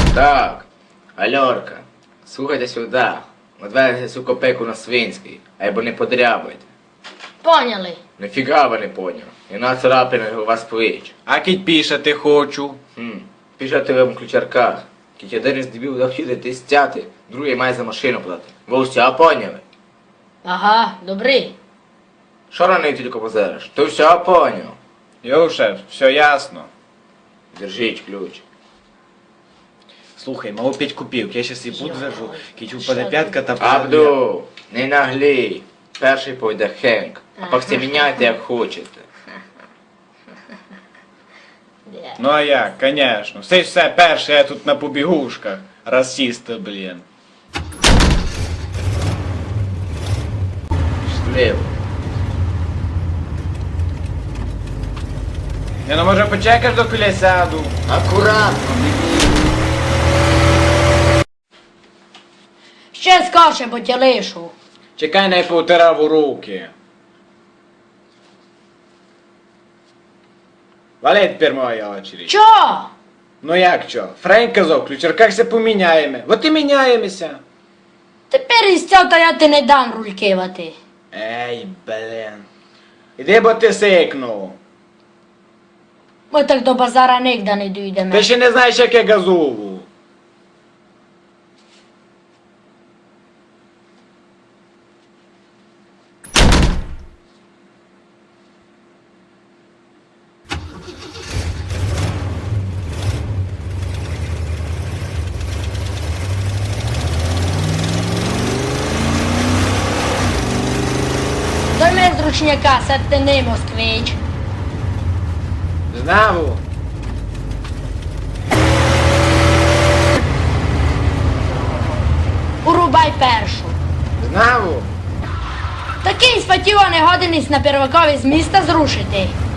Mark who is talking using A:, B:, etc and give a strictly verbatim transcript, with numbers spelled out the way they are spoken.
A: Так, Альорка, слухайте сюди. Отвезли цю копейку на Свинський, або не подрябайте.
B: Поняли.
A: Нифіга ви не поняв. І на царапини у вас плеч.
C: А кіть пішати хочу.
A: Хм, пішати вам у ключарках. Кіть один із дебів захотіти стяти, другий має за машину платити. Ви все поняли?
B: Ага, добрий.
A: Що раний тільки позериш? Ти все поняв?
C: Йоу, шеф, все ясно.
A: Держіть ключ.
C: Слухай, мало п'ять копійок, я щас її подвержу, кіть упаде
B: Що
C: п'ятка та
A: Абду, не наглій. Перший пойде Хенк, а пак все міняйте як хочете.
B: Де?
C: Ну а як, конечно. Все ж все перше, я тут на побігушках. Расісти, блін.
A: Щасливо.
C: Я ну може почекаєш доки сяду?
A: Акуратно.
B: Ще скорше, бо тя лишу.
C: Чекай, не повтирав у руки. Вали тепер моя очередь.
B: Чо?
C: Ну як чо? Френк казав, в ключарках се поміняємо. Вот і міняємося.
B: Тепер із цього та я ти не дам руль кивати.
C: Ей, блін. Іди, бо ти сикнув.
B: Ми так до базара нігде не дійдемо.
C: Ти ще не знаєш, як я газову.
B: Дай мене з ручняка, сядьте не москвич.
C: Знаву.
B: Урубай першу.
C: Знаву.
B: Такий спатіва не годинись на первакові з міста зрушити.